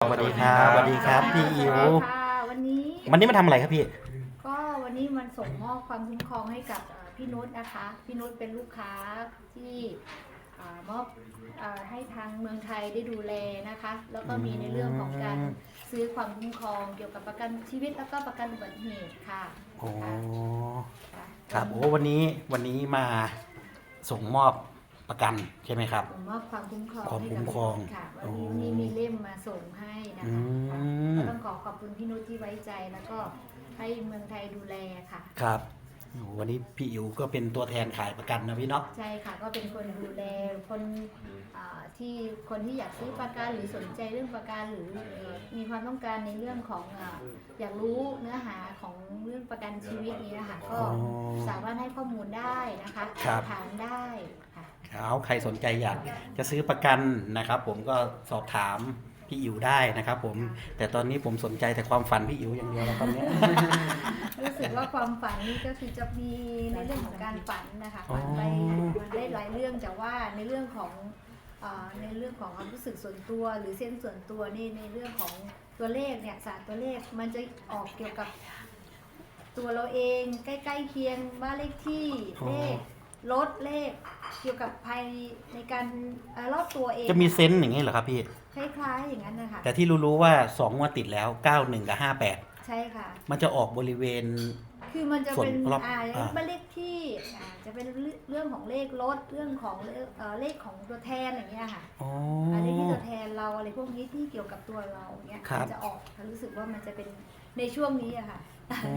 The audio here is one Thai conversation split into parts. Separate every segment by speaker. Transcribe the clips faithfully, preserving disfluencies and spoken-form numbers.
Speaker 1: สวัสดีครับสวัสดีครับพี่อิ๋ว
Speaker 2: ค่ะวันนี้
Speaker 1: วันนี้มาทำอะไรครับพี่
Speaker 2: ก็วันนี้มันส่งมอบความคุ้มครองให้กับพี่นุชนะคะพี่นุชเป็นลูกค้าที่มอบให้ทางเมืองไทยได้ดูแลนะคะแล้วก็มีในเรื่องของการซื้อความคุ้มครองเกี่ยวกับประกันชีวิตแล้วก็ประกันอุบัติเหตุค่ะ
Speaker 1: โอ้ครับโอ้วันนี้วันนี้มาส่งมอบประกันใช่ไหมครับ
Speaker 2: ส่งมอบความคุ้มครอง
Speaker 1: ความคุ้มครอง
Speaker 2: ค่ะวันนี้มีเล่มมาส่งให้นะคะก็ต้องขอขอบคุณพี่นุชที่ไว้ใจแล้วก็ให้เมืองไทยดูแลค่ะ
Speaker 1: ครับวันนี้พี่อิ๋วก็เป็นตัวแทนขายประกันนะพี่เนาะ
Speaker 2: ใช่ค่ะก็เป็นคนดูแลคนที่คนที่อยากซื้อประกันหรือสนใจเรื่องประกันหรือมีความต้องการในเรื่องของอยากรู้เนื้อหาของเรื่องประกันชีวิตนี้นะคะก็สามารถให้ข้อมูลได้นะคะถามได้ค่ะ
Speaker 1: เอาใครสนใจอยากจะซื้อประกันนะครับผมก็สอบถามพี่อิ๋วได้นะครับผมแต่ตอนนี้ผมสนใจแต่ความฝันพี่อิ๋วอย่างเดียวแล้วตอนนี้
Speaker 2: รู้สึกว่าความฝันนี่ก็คือจะมีในเรื่องของการฝันนะคะฝันไปได้หลายเรื่องแต่ว่าในเรื่องของในเรื่องของความรู้สึกส่วนตัวหรือเส้นส่วนตัวนี่ในเรื่องของตัวเลขเนี่ยศาสตร์ตัวเลขมันจะออกเกี่ยวกับตัวเราเองใกล้ๆเคียงบ้านเลขที่เลขรถเลขเกี่ยวกับภัยในการรอบตัวเอง
Speaker 1: จะมีเซนส์อย่างนี้เหรอครับพี่
Speaker 2: คล้ายๆอย่างนั้นนะคะ
Speaker 1: แต่ที่รู้ๆว่าสองงวดติดแล้วเก้าสิบเอ็ดกับห้าสิบแปด
Speaker 2: ใช่ค่ะ
Speaker 1: มันจะออกบริเวณ
Speaker 2: คือมันจะเป็นอ่าบ้านเลขที่อ่าจะเป็นเรื่องของเลขรถเรื่องของเอ่อเลขของตัวแทนอย่างเงี้ยค่ะ
Speaker 1: อ๋อ
Speaker 2: เลขที่ตัวแทนเราอะไรพวกนี้ที่เกี่ยวกับตัวเราเงี้ยมันจะออกรู้สึกว่ามันจะเป็นในช่วงนี้อะค่ะ
Speaker 1: อ๋อ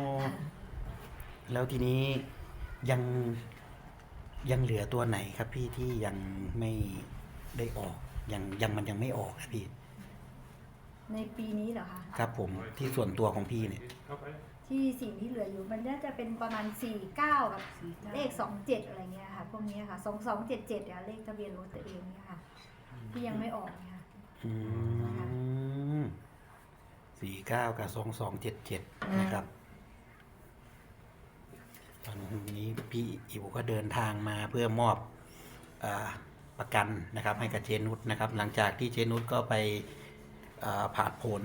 Speaker 1: แล้วทีนี้ยังยังเหลือตัวไหนครับพี่ที่ยังไม่ได้ออกยังยังมันยังไม่ออกครับพี่
Speaker 2: ในปีนี้เหรอคะ
Speaker 1: ครับผมที่ส่วนตัวของพี่เนี่ย
Speaker 2: ที่สิ่งที่เหลืออยู่มันน่าจะเป็นประมาณสี่เก้ากับเลขสองเจ็ดอะไรเงี้ยค่ะพวกนี้ค่ะสองสองเจ็ดเจ็ดเนี่ยเลขทะเบียนรถตัวเองเนี่ยค่ะที่ยังไม่ออกเนี่ย
Speaker 1: อืมสี่เก้ากับสองสองเจ็ดเจ็ดนะครับตอนนี้พี่อิ๋วก็เดินทางมาเพื่อมอบอ่าประกันนะครับให้กับเจนุชนะครับหลังจากที่เจนุชก็ไปผ่าผล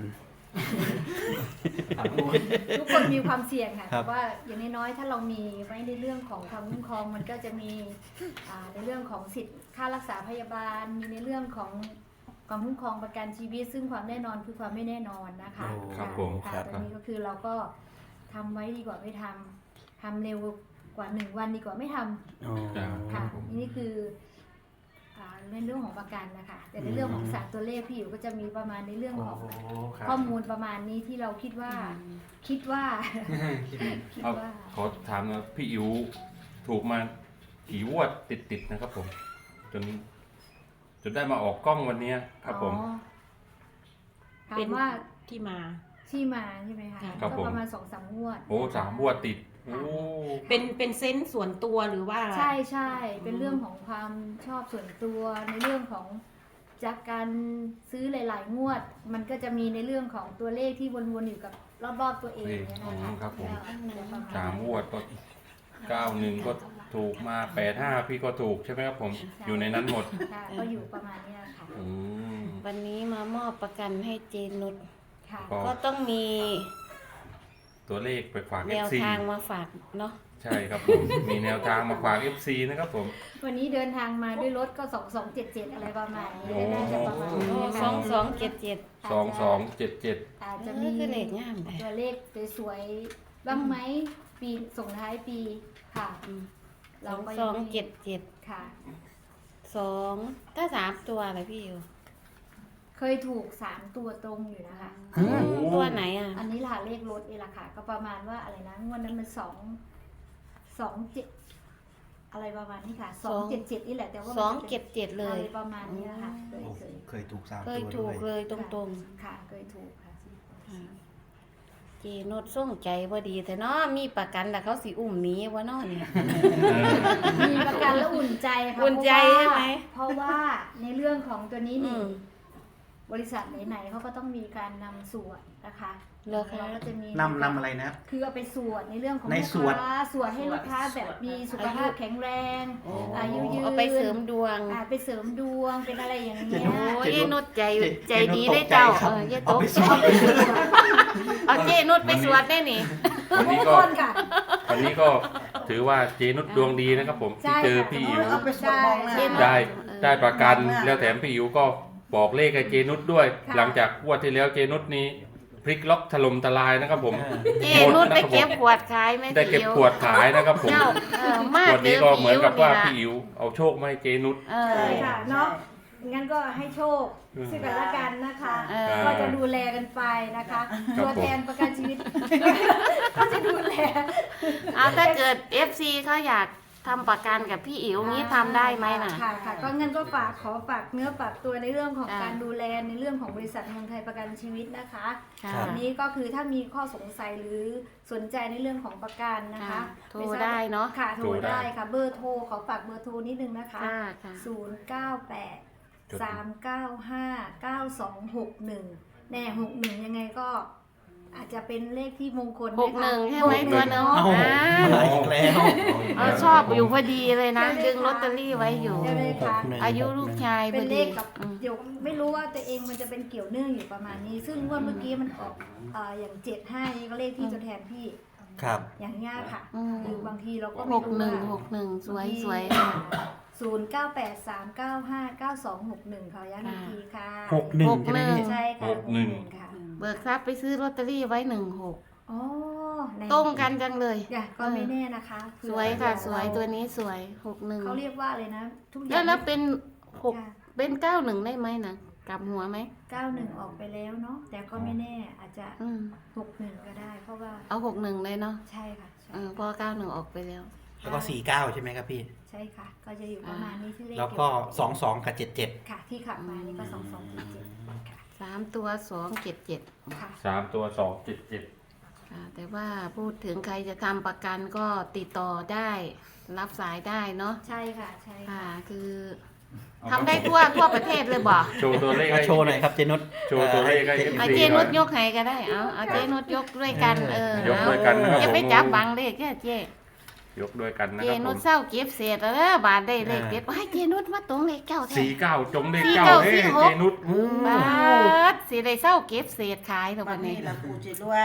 Speaker 2: ทุกคนมีความเสี่ยงค่ะแต่ว่าอย่างน้อยๆถ้าเรามีไว้ในเรื่องของความคุ้มครองมันก็จะมีในเรื่องของสิทธิ์ค่ารักษาพยาบาลมีในเรื่องของความคุ้มครองประกันชีวิตซึ่งความแน่นอนคือความไม่แน่นอนนะคะ
Speaker 1: ครับผมครับ
Speaker 2: ตรงนี้ก็คือเราก็ทำไว้ดีกว่าไม่ทำทำเร็วกว่าหนึ่งวันดีกว่าไม่ทำค่ะนี่คือในเรื่องของประกันนะคะแต่ในเรื่องของศาสตร์ตัวเลขพี่อยู่ก็จะมีประมาณในเรื่องของข้อมูลประมาณนี้ที่เราคิดว่าคิดว่า
Speaker 3: คิดว่าขอถามนะพี่อิ๋วถูกมากี่งวดติดๆนะครับผมจนจนได้มาออกกล้องวันนี้ครับผม
Speaker 2: เป็นว่า
Speaker 4: ที่มา
Speaker 2: ที่มาใช่ไหมคะก็ประมาณสองสามงวด
Speaker 3: โอ้สามงวดติด
Speaker 4: เป็นเป็นเซนส์ส่วนตัวหรือว่า
Speaker 2: ใช่ใช่เป็นเรื่องของความชอบส่วนตัวในเรื่องของจากการซื้อหลายๆงวดมันก็จะมีในเรื่องของตัวเลขที่วนๆอยู่กับรอบๆตัวเองนะคะ
Speaker 3: ครับผมสามงวดก็เก้าหนึ่งก็ถูกมาแปดห้าพี่ก็ถูกใช่ไหมครับผมอยู่ในนั้นหมด
Speaker 2: ก็อยู่ประมาณนี้ค่ะ
Speaker 4: วันนี้มามอบประกันให้เจนุช
Speaker 2: ก็
Speaker 4: ต้องมี
Speaker 3: ตัวเลขไปฝาก
Speaker 4: เอฟ ซี แนวทางมาฝากเนาะ
Speaker 3: ใช่ครับผมมีแนวทางมาฝาก เอฟ ซี นะครับผม
Speaker 2: วันนี้เดินทางมาด้วยรถก็สองสองเจ็ดเจ็ดอะไรประมาณนี้น่าจะประมาณนี้
Speaker 4: สองสองเจ็ดเจ็ด
Speaker 3: สองสองเจ็ดเจ็ด
Speaker 2: อาจจะมี
Speaker 4: เลขงาม
Speaker 2: ตัวเลขสวยๆบ้างไหมปีส่งท้ายปีค่ะ
Speaker 4: สองสองเจ็ดเจ็ด
Speaker 2: ค่ะ
Speaker 4: สองถ้าสามตัวอะไรพี่อยู่
Speaker 2: เคยถูกสามตัวตรงอยู่นะคะ
Speaker 4: ตัวไหนอ่ะ
Speaker 2: อันนี้ล่ะเลขรถเองล่ะค่ะก็ประมาณว่าอะไรนะงวดนั้นมันสองสองเจ็ดอะไรประมาณนี้ค่ะสองเจ็ดเจ็ดนี่แหละแต่ว่า
Speaker 4: สองเจ็ดเจ็ดเลย
Speaker 2: ประมาณนี้นะคะเคยเคย
Speaker 1: เคยถูกสามตัว
Speaker 4: เคยถูกเลยตรง
Speaker 2: ๆค่ะเคยถูกค่ะ
Speaker 4: เจนุชส่งใจพอดีแต่เนาะมีประกันแต่เขาสิอุ้มนี้วะเนาะเนี่ย
Speaker 2: มีประกันแล้วอุ่นใจค่ะ
Speaker 4: อุ่นใจใช่ไหม
Speaker 2: เพราะว่าในเรื่องของตัวนี้นี่บริษัทไหนๆเขาก็ต้องมีการนำสวดนะคะ
Speaker 4: เหรอคะ
Speaker 2: เราก็จะมี
Speaker 1: นำนำอะไรนะ
Speaker 2: คือเอาไปสวดในเรื่องของ
Speaker 1: ใน
Speaker 2: ลูก
Speaker 1: สวด
Speaker 2: ค้าสวดให้ลูกค้าแบบมีสุขภาพแข็งแรง
Speaker 1: โอ้
Speaker 2: อายุยืน
Speaker 4: เอาไปเสริมดวง
Speaker 2: อ่าไปเสริมดวงเป็นอะไรอย่าง
Speaker 1: เจ
Speaker 2: เงี้ย
Speaker 1: นุช
Speaker 4: โอ้ยนุชใจ
Speaker 1: เจ
Speaker 4: ใจ
Speaker 1: เจนุช
Speaker 4: ดี
Speaker 1: ต
Speaker 4: ได้
Speaker 1: กใจ
Speaker 4: เจ้า
Speaker 1: ครับ
Speaker 4: เอออย่าต
Speaker 1: เอา
Speaker 4: ก
Speaker 1: ไปส
Speaker 4: ใจ
Speaker 1: วด
Speaker 4: เอาเจนุชไปสวดได้นี่
Speaker 3: วันนี้
Speaker 2: ทุก
Speaker 3: ก็
Speaker 2: คนค่ะ
Speaker 3: วันนี้ก็ถือว่าเจนุชดวงดีนะครับผมที่เจอพี่อิ๋ว
Speaker 5: เอาไปสวดมองหน้า
Speaker 4: เจนุช
Speaker 3: ได้ได้ประกัน
Speaker 5: มาก
Speaker 3: แล้วแถมพี่อิ๋วก็บอกเลขให้เจนุชด้วย
Speaker 2: ค่ะ
Speaker 3: หลังจากงวดที่แล้วเจนุชนี้พลิกล็อกถล่มทลายนะครับผม
Speaker 4: เจนุชไปเก็บขวดขายไหม
Speaker 3: ได้เก็บขวดขายนะครับผม
Speaker 4: เจ้าเออมาก
Speaker 3: ขวดนี้ก็เหมือนกับว่า
Speaker 4: พี่
Speaker 3: พี่อิ๋วเอาโชคมาให้เจนุช
Speaker 4: เออ
Speaker 2: ใช่ค่ะเนาะงั้นก็ให้โชค
Speaker 3: อืม
Speaker 2: ซึ่งกันและกันนะคะ
Speaker 4: เออ
Speaker 2: ก็จะดูแลกันไปนะคะ
Speaker 3: ครับ
Speaker 2: ตัวแทนประกันชีวิต ก็จะดูแล
Speaker 4: เอาถ้าเกิด เอฟ ซี เขาอยากทำประกันกับพี่อิ๋วงี้ทำได้ไหมน่ะ
Speaker 2: ค่ะค่ะก็งั้นก็ฝากขอฝากเนื้อฝากตัวในเรื่องของ
Speaker 4: อ่า
Speaker 2: การดูแลในเรื่องของบริษัทเมืองไทยประกันชีวิตนะคะ
Speaker 4: ค่ะ
Speaker 2: อันนี้ก็คือถ้ามีข้อสงสัยหรือสนใจในเรื่องของประกันนะคะ
Speaker 4: ค่ะโทร
Speaker 2: ม่ทบ
Speaker 4: ได้เนอะ
Speaker 2: ค่ะโทร
Speaker 3: โทรได้
Speaker 2: ได้ค่ะเบอร์โทรขอฝากเบอร์โทรนิดนึงนะคะ
Speaker 4: ค่ะค่ะ
Speaker 2: ศูนย์เก้าแปดสามเก้าห้าเก้าสองหกหนึ่งแน่หกหนึ่งยังไงก็อาจจะเป็นเลขที่มงคล
Speaker 4: หกหนึ่งใช่ไหม
Speaker 2: ก
Speaker 4: ตัวหนึ่ง
Speaker 1: เอ้า
Speaker 4: อ่า
Speaker 1: มาอีกแล้ว
Speaker 4: เออชอบอยู่พอดีเลยนะดึงลอตเตอรี่ไว้อยู่
Speaker 2: ใช่ไหมคะ
Speaker 1: หนึ่ง
Speaker 4: อายุลูกชายพ
Speaker 2: เป็
Speaker 4: อน
Speaker 2: เล
Speaker 4: ดี
Speaker 2: ขกับ
Speaker 4: อืม
Speaker 2: เดี๋ยวไม่รู้ว่าตัวเองมันจะเป็นเกี่ยวเนื่องอยู่ประมาณนี้ ซึ่งงวดเมื่อกี้มันออกเอ่ออย่างเจ็ดห้านี่ก็เลขที่ตัวแทนพี่
Speaker 1: ครับ
Speaker 2: อย่างเงี้ยค่ะ
Speaker 4: อืม
Speaker 2: หรือบางทีเราก็
Speaker 4: ห
Speaker 2: ไม่
Speaker 4: ก
Speaker 2: รู้
Speaker 4: หนึ่ง
Speaker 2: ว่า
Speaker 4: หกหนึ่งสวยสวย
Speaker 2: ศูนย์เก้าแปดสามเก้าห้าเก้าสองหกหนึ่งค่ะย้ำอีกทีค่ะ
Speaker 1: หกหนึ่งใช่ไหมพี่
Speaker 2: ใช่ค่ะ
Speaker 3: หกหนึ่ง
Speaker 2: ค่ะ
Speaker 4: เบิกทรัพย์ไปซื้อลอตเตอรี่ไว้หนึ่งหก
Speaker 2: อ๋อใน
Speaker 4: ตรงกันจังเลย
Speaker 2: อย่าก็ไม่แน่นะคะเผื่อ
Speaker 4: สวยค่ะ
Speaker 2: เผื่อ
Speaker 4: สวย
Speaker 2: เรา
Speaker 4: ตัวนี้สวยหกหนึ่ง
Speaker 2: เขาเรียกว่าอะไรนะ ทุกอ
Speaker 4: แล้
Speaker 2: ย่าว ง
Speaker 4: แล้วเป็นหก
Speaker 2: ค่ะ
Speaker 4: เป็นเก้าหนึ่งได้ไหมนะกลับหัวไหม
Speaker 2: เก้าหนึ่งออกไปแล้วเนาะแต่ก็ไม่แน่อาจจะ
Speaker 4: อืม
Speaker 2: หกหนึ่งก็ได้ เพราะว่า
Speaker 4: เอาหกหนึ่งเลยเนาะ
Speaker 2: ใช่ค่ะใช่
Speaker 4: เออเพอเก้าหนึ่งออกไปแล้ว
Speaker 1: แล้วก็สี่เก้าใช่ไหมครับพี่
Speaker 2: ใช่ค่ะ ก็จะอยู่ประมาณนี้ที่เลข
Speaker 1: แล้วก็สองสองกับเจ็ดเจ็ด
Speaker 2: ค่ะที่ขับมานี่ก็สองสองเจ็ดเจ็ดค่ะ
Speaker 4: สามตัวสองเจ็ดเจ็ด
Speaker 2: ค่ะ
Speaker 3: สามตัวสองเจ็ดเจ็ด
Speaker 4: ค่ะแต่ว่าพูดถึงใครจะทำประกันก็ติดต่อได้ รับสายได้เนาะ
Speaker 2: ใช่ค่ะใช่
Speaker 4: ค่ะ
Speaker 2: ค่ะ
Speaker 4: คือทำได้ทั่วทั่วประเทศเลยบ่
Speaker 3: โชว์ตัวเลขให้
Speaker 1: โชว์หน่อยครับเจนุช
Speaker 3: โชว์ตัวเลขให้
Speaker 1: อ่อ
Speaker 4: เอาเจนุชยกให้ก็ได้ เอาเอาเจนุชยกด้วยกัน เออย
Speaker 3: ก
Speaker 4: เอา
Speaker 3: ด้วยกันนะครับ
Speaker 4: อย่าไป
Speaker 3: ผม
Speaker 4: จับบังเลขแค่เจ
Speaker 3: ยกด้วยกันนะ
Speaker 4: เจ
Speaker 3: ครับผ
Speaker 4: นุช
Speaker 3: ม
Speaker 4: เศร้าเก็บเศษแล้วเด้อบาทได้เลขเด็ดว้ายเจนุชมาตรงเลขเก้าแท้
Speaker 3: สี่เก้าจงเลข
Speaker 4: สี่
Speaker 3: เก้า
Speaker 4: เก้า
Speaker 3: เฮ้
Speaker 4: สี่หก
Speaker 3: เจนุช
Speaker 1: อืม
Speaker 4: บาทสิได้เศร้าเก็บเศษขายแล้ว
Speaker 5: วั
Speaker 4: วัน น
Speaker 5: นี้
Speaker 4: นี้
Speaker 5: ละปูจิตด้วย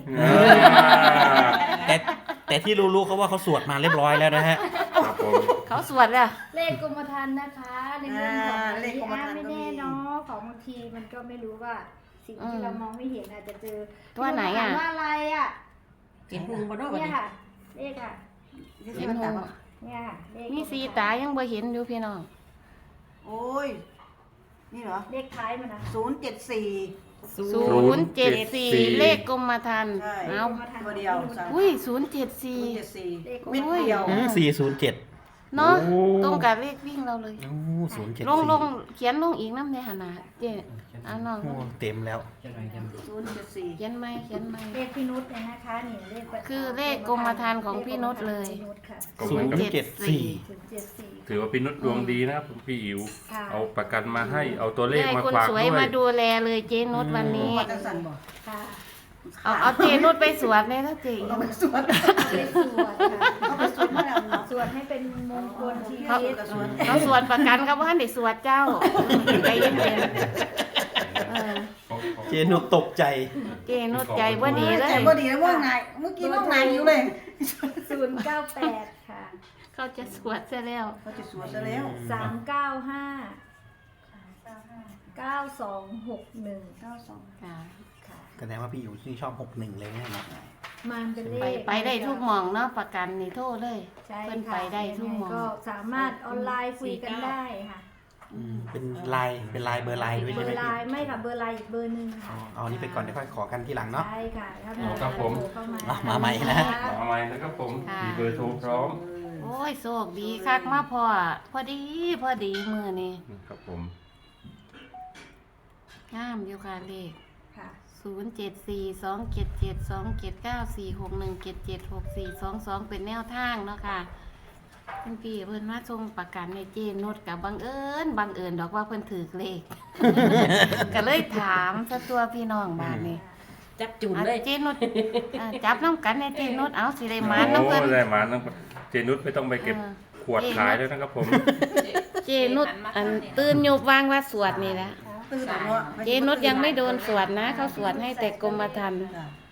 Speaker 1: แต่แต่ที่รู้ๆเขาว่าเขาสวดมาเรียบร้อยแล้วนะฮะ
Speaker 3: ครับผม
Speaker 4: เขาสวดแล้ว
Speaker 2: เลขกรมธรรม์นะคะในเรื่องของเลขอาไม่แน่เนาะของบางทีมันก็ไม่รู้ว่าสิ่งที่เรามองไม่เห็นอาจจะเจอ
Speaker 4: ตัวไหนอ่ะ
Speaker 2: ถามว่าอะไรอ่ะ
Speaker 5: กินพุงบ่ด้วยวัน
Speaker 2: เนี่ย
Speaker 5: นี้
Speaker 2: ค่ะ เลขอ่ะ
Speaker 5: เห็นหู
Speaker 2: เนี่ยค่ะเลข
Speaker 4: มีสีตายังบ่เห็นอยู่พี่น้อง
Speaker 5: โอ้ย นี่เหรอ
Speaker 2: เลขท้ายมันนะคะ
Speaker 5: ศูนย์เจ็ดสี่
Speaker 4: ศูนย์เจ็ดสี่เลขกรมธรรม์
Speaker 5: ใช่
Speaker 4: เอา
Speaker 5: ตัวเดียวสาม
Speaker 4: อุ้ยศูนย์เจ็ดสี่
Speaker 5: ศูนย์เจ็ดสี่
Speaker 2: เลข
Speaker 5: เม็ดเดียว
Speaker 1: สี่ศูนย์เจ็ด
Speaker 4: เนาะ
Speaker 3: โอ้
Speaker 4: ตรงกับเลขวิ่งเราเลย
Speaker 1: โอ้ศูนย์เจ็ด
Speaker 4: ลง
Speaker 1: สี่
Speaker 4: ลงเขียนลงอีกน้ำในหนาเจ๊เอาน้อง
Speaker 1: โอ้เต็มแล้ว
Speaker 5: ศูนย์เจ็ดสี่
Speaker 4: เขียนไหมเขียนไหม
Speaker 2: เลขพี่นุชเนี่ยนะคะนี่เลข
Speaker 4: คือเลขกรมธรรม์ของพี่นุชเลย
Speaker 2: พี่นุชค่ะ
Speaker 3: ก็เห
Speaker 1: ศู
Speaker 3: มือน
Speaker 1: นย์
Speaker 3: กับ
Speaker 1: เจ็ดสี่
Speaker 2: ศูนย์เจ็ดสี่
Speaker 3: ถือว่าพี่นุชดวงดีนะครับพี่อิ๋ว
Speaker 2: ค่ะ
Speaker 3: เอาประกันมาให้เอาตัวเลข
Speaker 4: ได้
Speaker 3: มา
Speaker 4: คน
Speaker 3: ฝาก
Speaker 4: ส
Speaker 3: ด้
Speaker 4: ว
Speaker 3: วย ย
Speaker 4: มาดูแลเลยเจ๊นุชวันนี้
Speaker 5: มาจังสันบ่
Speaker 2: ค่ะ
Speaker 4: เอาเอาเจ๊นุชไปสวดเลยนะเจ๊
Speaker 5: เอาไปสวด
Speaker 2: เอาไปสวดค่ะ
Speaker 5: เอาไปสวดมาแล้วเนาะ
Speaker 2: สวดให้เป็นมงคลชี
Speaker 5: เขา
Speaker 2: วิต
Speaker 5: ก็สวด
Speaker 4: เราสวดประกันกับว่าได้สวดเจ้าใจเย็นๆเออ
Speaker 1: เจนุชตกใจ
Speaker 4: เจ๊นุชใจว่าดีเลย
Speaker 5: ใจบ่ดีแล้วว่างไงเมื่อกี้ว่างไงอยู่เลย
Speaker 2: ศูนย์เก้าแปดค่ะ
Speaker 4: เขาจะสวดซะแล้ว
Speaker 5: เขาจะสวดซะแล้ว
Speaker 2: สามเก้าห้าเก้าสองหกหนึ่ง
Speaker 5: เก้าสอง
Speaker 4: ค่ะ
Speaker 2: ค่ะ
Speaker 1: แสดงว่าพี่อยู่ที่ชอบหกหนึ่งเลยนะเนาะ
Speaker 2: มันเป็นเล
Speaker 4: ไป
Speaker 2: ข
Speaker 4: ไปได้ทุกหมองเนาะประกันนี่โทษเลย
Speaker 2: ใช่
Speaker 4: เพิ่น
Speaker 2: ค่ะ
Speaker 4: ไปได้ทุกหมอง
Speaker 2: ก็สามารถออนไลน์คุยกันได้ค่ะ
Speaker 1: อืมเป็นไลน์เป็นไลน์เบอร์ไลน์ด้วย
Speaker 2: เบ
Speaker 1: ใช่
Speaker 2: อ
Speaker 1: ไหม
Speaker 2: ร์ไล
Speaker 1: พี่
Speaker 2: น์ไม่ค่ะเบอร์ไลน์อีกเบอร์หนึ่ง
Speaker 1: อ๋อ
Speaker 2: ค่ะ
Speaker 1: เอาอันนี้ไปก่อนเดี๋ยวค่อยขอกันทีหลังเนาะ
Speaker 2: ใช่ค่ะถ้า
Speaker 3: อ๋อครับผม
Speaker 2: โทรเข้ามา
Speaker 1: อ่ะมาใหม่นะ
Speaker 3: มาใหม่นะครับผม
Speaker 4: ค่ะ
Speaker 3: มีเบอร์โทรพร้อม
Speaker 4: โอ้ยโชคดีคักมาพอพอดีพอดีมือนี่
Speaker 3: ครับผม
Speaker 4: งามอยู่ค่ะเลข
Speaker 2: ค่ะ
Speaker 4: ศูนย์เจ็ดสี่สองเจ็ดเจ็ดสองเจ็ดเก้าสี่หกหนึ่งเจ็ดเจ็ดหกสี่สองสองเป็นแนวทางเนาะค่ะคุณพี่เพิ่นมาส่งประกันในเจนุชกับบังเอิญบังเอิญดอกว่าเพิ่นถือเลข ก็เลยถามซะตัวพี่น้องบ้านนี่
Speaker 6: จับจุ่ม
Speaker 4: อ่ะ
Speaker 6: เลย
Speaker 4: เจนุชอ่ะจับน้ำกันในเจนุชเอาสิได้หมานน้ำเพิ่น
Speaker 3: โอ้ได้หมานน้ำเจนุชไม่ต้องไปเก็บ
Speaker 4: เออ
Speaker 3: ขวดขายด้วยนะครับผม
Speaker 4: เจนุชอันตื่นอยู่วางว่าสวดนี่แหละ
Speaker 5: ตื่นแล้วเนาะ
Speaker 4: เจนุชยังไม่โดนสวดนะ เขาสวดให้แต่กรมธรรม์
Speaker 5: จ้ะ